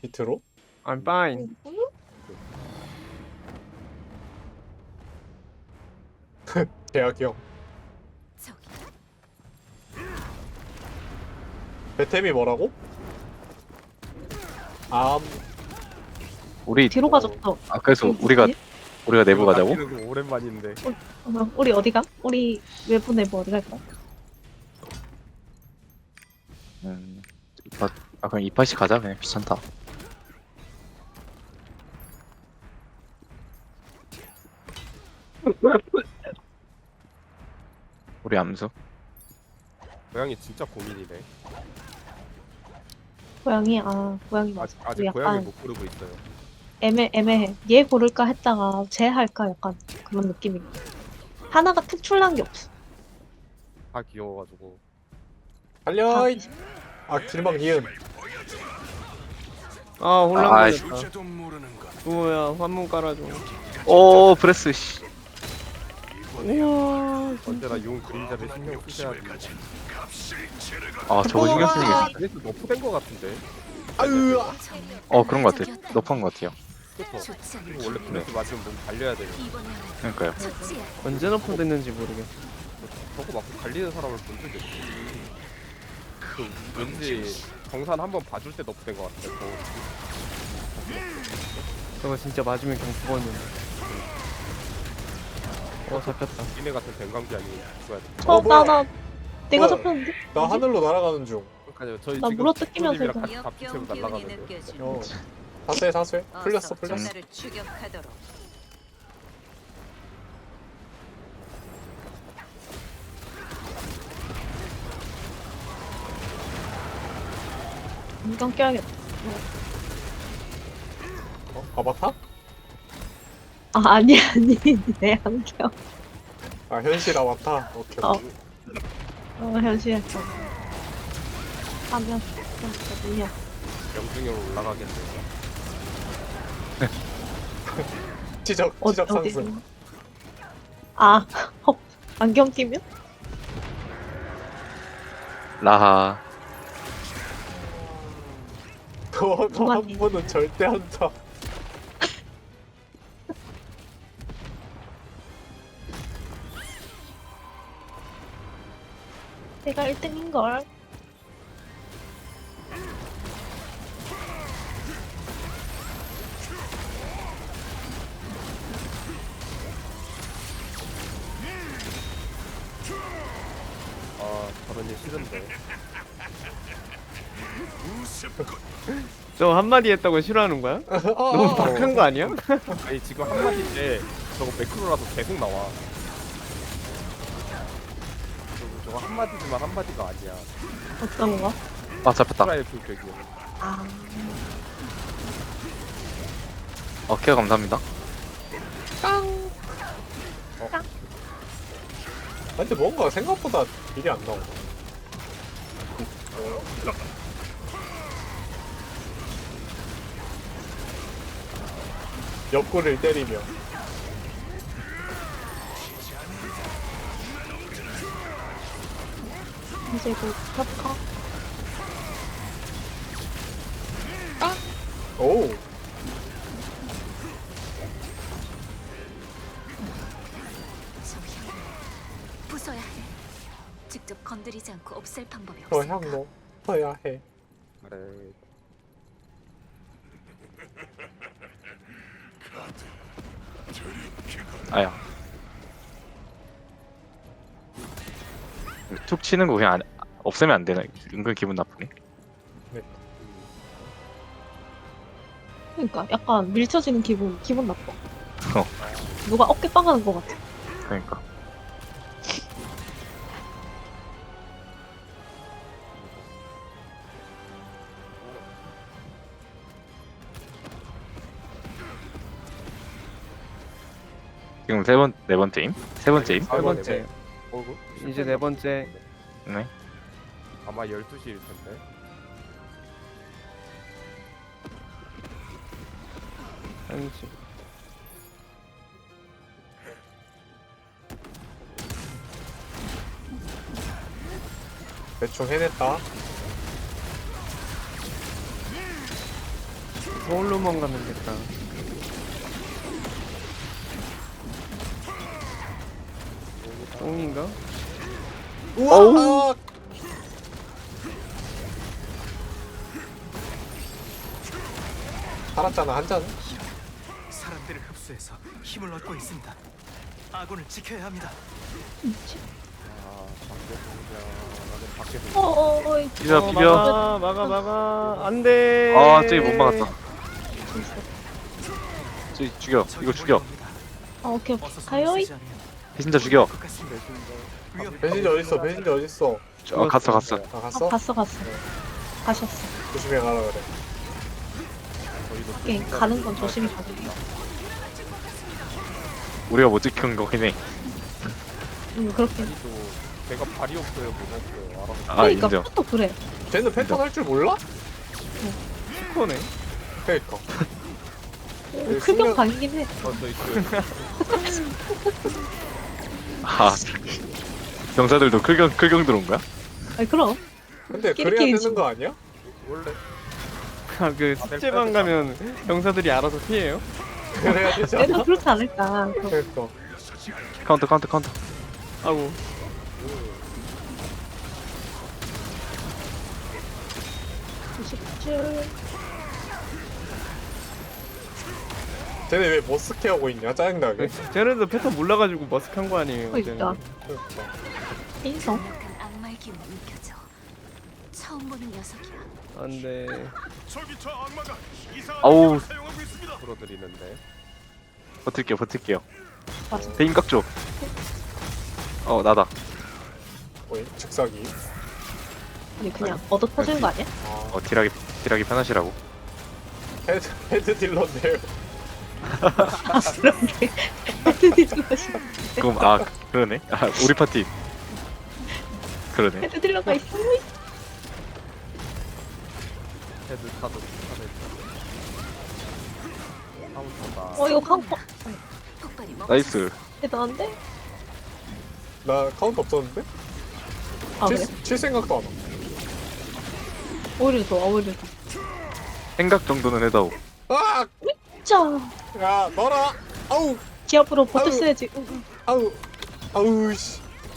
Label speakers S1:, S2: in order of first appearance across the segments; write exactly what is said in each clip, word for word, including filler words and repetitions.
S1: 밑으로?
S2: I'm fine.
S1: 계약형.
S3: 저기야?
S1: 배템이 뭐라고? 암.
S4: 우리
S5: 뒤로 가졌어.
S4: 아 그래서
S5: 음,
S4: 우리가
S5: 뭐지?
S4: 우리가 내부 가자고?
S2: 낚이는 거 오랜만인데.
S5: 어, 우리 어디가? 우리 외부 내부 어디 갈까?
S4: 음, 이파, 아 그냥 이파시 가자 그냥 귀찮다. 우리 암수.
S2: 고양이 진짜 고민이네.
S5: 고양이 아 고양이 맞아.
S2: 아직, 아직
S5: 우리
S2: 고양이
S5: 약간
S2: 못 고르고 있어요.
S5: 애매 애매해. 얘 고를까 했다가 쟤 할까 약간 그런 느낌이. 하나가 특출난 게 없어.
S2: 다 귀여워가지고.
S1: 달려! 이- 아, 길막 이은.
S2: 아
S4: 아이.
S2: 혼란스럽다. 뭐야 환문 깔아줘.
S4: 오 브레스 씨.
S2: 우와. 언제나 용 그림자를 신경 쓰셔야 돼.
S4: 아 저거 신경 쓰는 게. 있-
S2: 그래서 너프된 거 같은데.
S1: 아유!
S4: 어 그런 것 같아. 너프한 것 같아요.
S2: 그쵸?
S3: 좋지 않은
S2: 이거 원래 브레스 맞으면 몸 달려야 돼요.
S3: 이번에
S4: 그러니까요.
S3: 처치야.
S6: 언제 너프됐는지 모르겠어.
S2: 저거 맞고 달리는 사람을 본 적이 없어. 그 왠지 정산 한번 봐줄 때 너프된 거 같아. 저
S6: 저거 진짜 맞으면 그냥 죽었는데. 어 잡혔다.
S2: 니네 같은 뱅감기 아니고 죽어야 돼.
S5: 어,
S1: 어, 뭐야?
S5: 나, 나, 내가
S1: 뭐야?
S5: 잡혔는데?
S1: 나 하늘로 날아가는 중.
S2: 그러니까요. 저희
S5: 나
S2: 지금
S5: 물어 뜯기면서
S2: 님이랑
S5: 이거.
S2: 같이 갑주체로 날아가는데.
S1: 어. 사수해, 사수해. 풀렸어, 풀렸어.
S3: 나를 추격하도록.
S5: 안경 껴야겠다.
S1: 어? 아바타?
S5: 아 아니 아니 내 안경.
S1: 아, 현실 아바타? 오케이,
S5: 어.
S1: 오케이.
S5: 어 현실. 하면 어디야?
S2: 영중으로 올라가겠네.
S1: 지적,
S5: 어,
S1: 지적
S5: 어디?
S1: 상승.
S5: 아 어, 안경 끼면?
S4: 라하.
S1: 너도 한
S5: 그만해.
S1: 번은 절대 한다.
S5: 내가 일 등인 걸.
S2: 아 저런 일 싫은데.
S6: 저 한마디 했다고 싫어하는 거야? 너무
S1: 어,
S6: 박한 거 아니야?
S2: 아니 지금 한마디인데 저거 매크로라서 계속 나와. 저거, 저거 한마디지만 한마디가 아니야.
S5: 어떤 거?
S4: 아 잡혔다.
S2: 프라의 불격이야.
S5: 아
S4: 어 케어 감사합니다.
S1: 근데 뭔가 생각보다 일이 안 나온다. 옆구리를 때리며.
S5: 이제 곧 협화.
S1: 오!
S3: 저 향을 부숴야 해. 직접 건드리지 않고 없앨 방법이
S1: 저
S3: 없을까?
S1: 향로 써야 해.
S2: 그래.
S4: 아야. 툭 치는 거 그냥 안, 없애면 안 되나? 은근 기분 나쁘네.
S5: 그러니까 약간 밀쳐지는 기분 기분 나빠.
S4: 어.
S5: 누가 어깨 빵하는 것 같아.
S4: 그러니까. 지금 세 번, 네 번째임? 세 번째임?
S2: 아,
S6: 세 번째.
S2: 어, 그-
S6: 이제 네 번째.
S4: 네.
S2: 아마 열두 시일 텐데.
S6: 한시.
S1: 대충 해냈다.
S6: 서울로만 가면 됐다. 똥인가?
S1: 우와! 살았잖아 한 잔.
S7: 사람들을 흡수해서 힘을 얻고 있습니다. 아군을 지켜야 합니다.
S2: 아 밖에 보자. 나는 밖에서
S5: 어어어.
S4: 비벼
S6: 어,
S4: 비벼.
S6: 막아 막아 막아. 안돼.
S4: 아 저기 못 막았다. 저기 죽여. 이거 죽여.
S5: 아 오케이
S7: 어서
S5: 오케이.
S7: 손을
S5: 가요이.
S7: 쓰지 않으면
S4: 배신자 죽여.
S7: 것 같습니다. 위험-
S1: 배신자 어딨어? 배신자 어딨어?
S4: 어 갔어 갔어.
S1: 아
S5: 아
S1: 갔어?
S5: 갔어 갔어. 가셨어.
S1: 조심해 가라 그래.
S2: 저희도
S5: 오케이 가는 건 조심히 가자.
S4: 우리가 못 지킨 거긴 해.
S5: 음 그렇게.
S2: 또 제가 발이 없어요, 못 없어요. 알아서.
S4: 아
S5: 그러니까
S4: 인정.
S5: 그것도 그래.
S1: 쟤는 패턴 할 줄 몰라?
S6: 스코네.
S1: 그니까.
S5: 어, 클경 방이긴 해.
S2: 어, 저희 그
S4: 아 병사들도 클경 클경 들어온 거야?
S5: 아니 그럼.
S1: 근데
S5: 끼리끼리
S1: 그래야 되는
S5: 지금.
S1: 거 아니야?
S2: 원래
S6: 아그 숙제방 가면 병사들이 알아서 피해요?
S1: 그래야 되지
S5: 얘도
S1: 않아?
S5: 그렇지 않을까. 그럼.
S1: 그니까.
S4: 카운터 카운터 카운터.
S6: 아고.
S5: 구십칠.
S1: 쟤네 왜 머스케 하고 있냐? 짜증나게.
S6: 쟤네도 패턴 몰라가지고 머스크한 거 아니에요?
S5: 그러니까.
S6: 쟤네도.
S1: 그러니까.
S5: 인성.
S3: 약간 악마의 기운이 느껴져. 처음 보는 녀석이야.
S6: 안돼.
S4: 아우
S2: 풀어드리는데.
S4: 버틸게요 버틸게요.
S5: 맞아.
S4: 대인 깍죠. 어 나다.
S1: 뭐야? 즉사기.
S5: 아니 그냥 얻어 터지는 거 아니야?
S1: 아,
S4: 어 딜하기 딜하기 편하시라고.
S1: 헤드, 헤드 딜러인데요.
S5: 그런데 헤드 딜러가 싫어.
S4: 그럼 아 그러네. 아 우리 파티. 그러네.
S5: 헤드 딜러가 있어.
S2: 헤드 카드 카드. 카운터다.
S5: 어 이거 카운터.
S3: 폭발이 멈.
S4: 나이스.
S5: 대단한데?
S1: 나 카운트 없었는데?
S5: 아 그래?
S1: 칠, 칠 생각도 안 와.
S5: 오히려 좋아 오히려 좋아.
S4: 생각 정도는 해다오.
S1: 아!
S5: 짜.
S1: 야, 너라! 아우!
S5: 기압으로 버텨
S1: 아유.
S5: 써야지. 응, 응.
S1: 아우! 아우, 씨.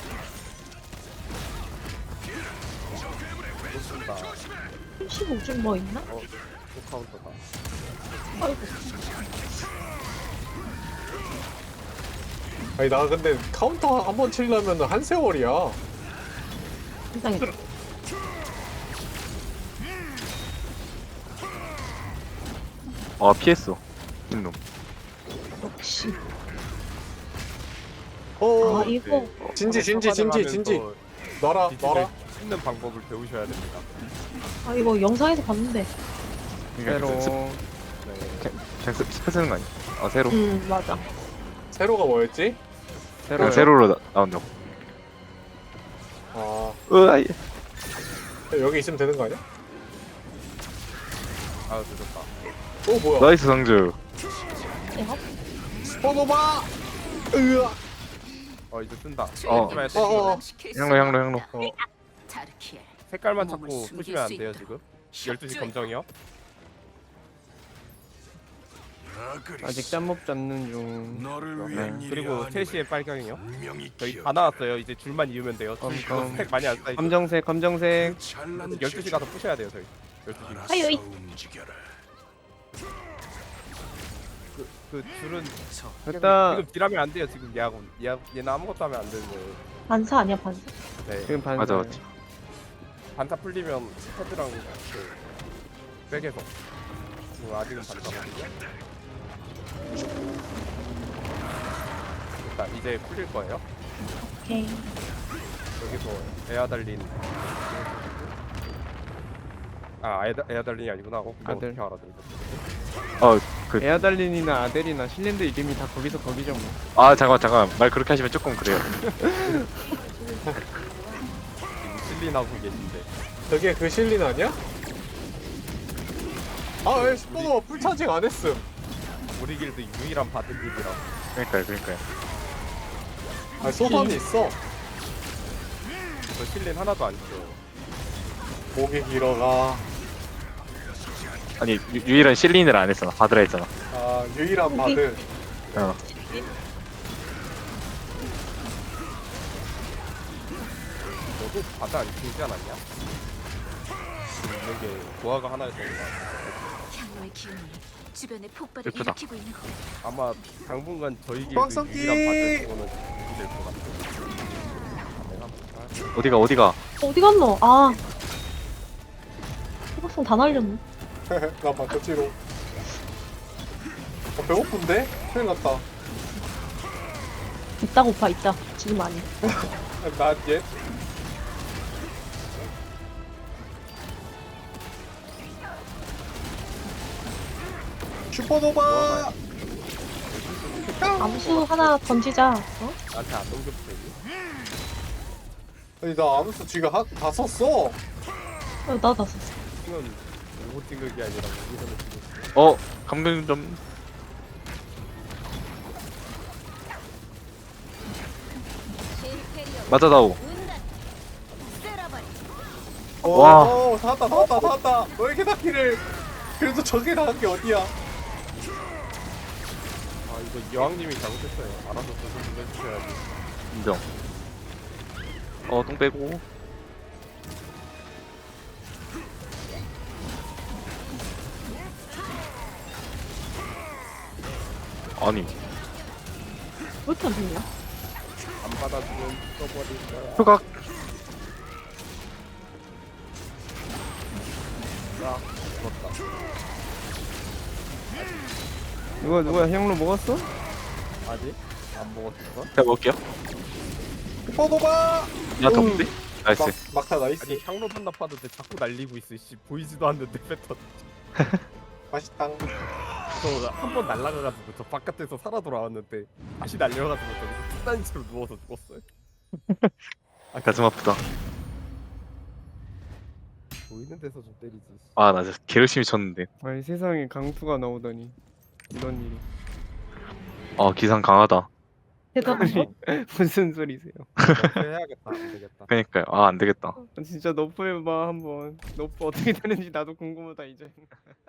S2: 좋습니다.
S5: 삼십오 줄 뭐 있나?
S2: 어, 또 카운터다.
S5: 아이고.
S1: 아니, 나 근데 카운터 한 번 치려면 한 세월이야.
S5: 세상에.
S4: 아 피했어. 흰놈.
S5: 역시.
S1: 어,
S5: 아 이거
S1: 진지, 진지, 진지, 진지. 너라, 너라.
S2: 씹는 방법을 배우셔야 됩니다.
S5: 아 이거 영상에서 봤는데.
S6: 새로.
S2: 네.
S4: 그냥 스- 스페 쓰는 거 아니야? 아 세로.
S5: 음 맞아.
S1: 세로가 뭐였지?
S6: 새로.
S4: 그냥 세로로 나, 나온다고.
S1: 아,
S4: 으아이.
S1: 여기 있으면 되는 거 아니야?
S2: 아, 늦었다.
S1: 오, 뭐야?
S4: 나이스 상주.
S5: 야,
S1: 스포노바! 으아!
S2: 어, 이제 쓴다.
S4: 어.
S2: 떼지 마요, 떼지
S1: 어, 어,
S2: 마요.
S1: 어.
S4: 향로 향로 향로.
S1: 어.
S3: 자르키엘.
S2: 색깔만
S3: 몸을
S2: 찾고
S3: 숨길
S2: 푸시면 안
S3: 수
S2: 돼요,
S3: 있다.
S2: 지금? 열두 시 검정이요?
S6: 아직 짬먹 잡는 중.
S2: 네. 그리고 세 시에 빨강이요? 저희 다 나왔어요. 이제 줄만 이으면 돼요. 줄
S6: 음,
S2: 그거
S6: 음.
S2: 스택 많이 안 쌓이죠.
S6: 검정색 검정색.
S2: 열두 시 가서 푸셔야 돼요, 저희. 열두 시.
S5: 아유이.
S2: 그, 그 줄은
S6: 됐다.
S2: 지금 딜하면 안 돼요, 지금 얘하고. 얘, 얘는 아무것도 하면 안 되는 거예요.
S5: 반사 아니야 반사?
S2: 네.
S6: 지금 반.
S4: 맞아 맞지.
S2: 반타 풀리면 헤드랑 그 백에서. 지금 아직은 반타거든요. 일단 이제 풀릴 거예요.
S5: 오케이.
S2: 여기서 에아 달린 아 에아, 에아 달린이 아니구나. 어, 이거
S6: 아들.
S2: 어떻게 알아들었어?
S4: 어 그.
S6: 에아달린이나 아델이나 실랜드 이름이 다 거기서 거기죠 뭐.
S4: 아 잠깐 잠깐 말 그렇게 하시면 조금 그래요.
S2: 실린하고 계신데
S1: 저게 그 실린 아니야? 아, 왜 스포노바 풀차징 안 했음?
S2: 우리 길드 유일한 바드 길이라.
S4: 그러니까요 그러니까요.
S1: 아, 소감이 있어.
S2: 저 실린 하나도 안 줘.
S1: 목이 길어가.
S4: 아니 유, 유일한 실린을 안 했잖아. 바드라 했잖아.
S1: 아 유일한 바드.
S4: 어.
S2: 너도 바다 안 키우지 않았냐? 지금 있는 게 고아가 하나 있는 거 같아.
S3: 향로의 기운이 주변에 폭발을
S4: 예쁘다.
S3: 일으키고 있는 것 같아.
S2: 아마 당분간 저희게
S1: 꽉
S2: 그 유일한 바다 그거는 될것 같아. 내가 볼까?
S4: 어디가 어디가?
S5: 어디 갔노? 아. 호박성 다 날렸네.
S1: 나 바꿔치로. 어, 배고픈데? 큰일 났다.
S5: 있다 고파 있다. 지금 아니.
S1: 나 얘. 슈퍼노바.
S5: 암수 하나 던지자. 어?
S2: 나한테 안 넘겨도 되니?
S1: 아니 나 아무스 지금 하, 다 썼어.
S5: 어, 나다 썼어.
S2: 이건 오고 찡극이 아니라 여기서는 지금
S4: 어 감금 좀. 맞아다오.
S1: 어,
S4: 와.
S1: 어, 다 왔다 다 왔다 다 왔다. 왜 이렇게 다 키를. 그래도 저게 나간 게 어디야?
S2: 아 이거 여왕님이 잘못했어요. 알아서 조금 좀 해주셔야지.
S4: 인정. 어똥 빼고. 아니
S5: 왜 이렇게 안 되냐?
S2: 안 받아주면 써버릴 거야.
S4: 표각.
S2: 아 죽었다.
S6: 누가 누가 향로 먹었어?
S2: 아직 안 먹었어?
S4: 제가 먹을게요.
S1: 슈퍼노바.
S4: 야 덤비. 나이스.
S1: 막 막타 나이스.
S2: 아니 향로 반납하던데 자꾸 날리고 있어. 씨 보이지도 않는데 패턴.
S1: 맛있당.
S2: 저한번 날라가가지고 저 바깥에서 살아 돌아왔는데 다시 날려가지고 저기 뚝단인 채로 누워서 죽었어요.
S4: 가슴 아프다.
S2: 보이는 데서 좀 때리지.
S4: 아 나 진짜 개 열심히 쳤는데.
S6: 아니 세상에 강투가 나오다니 이런 일이.
S4: 아 기상 강하다.
S5: 대단한 거.
S6: 무슨 소리세요?
S2: 해야겠다. 안 되겠다.
S4: 그러니까요. 아 안 되겠다.
S6: 진짜 너프 해봐 한번. 너프 어떻게 되는지 나도 궁금하다 이제.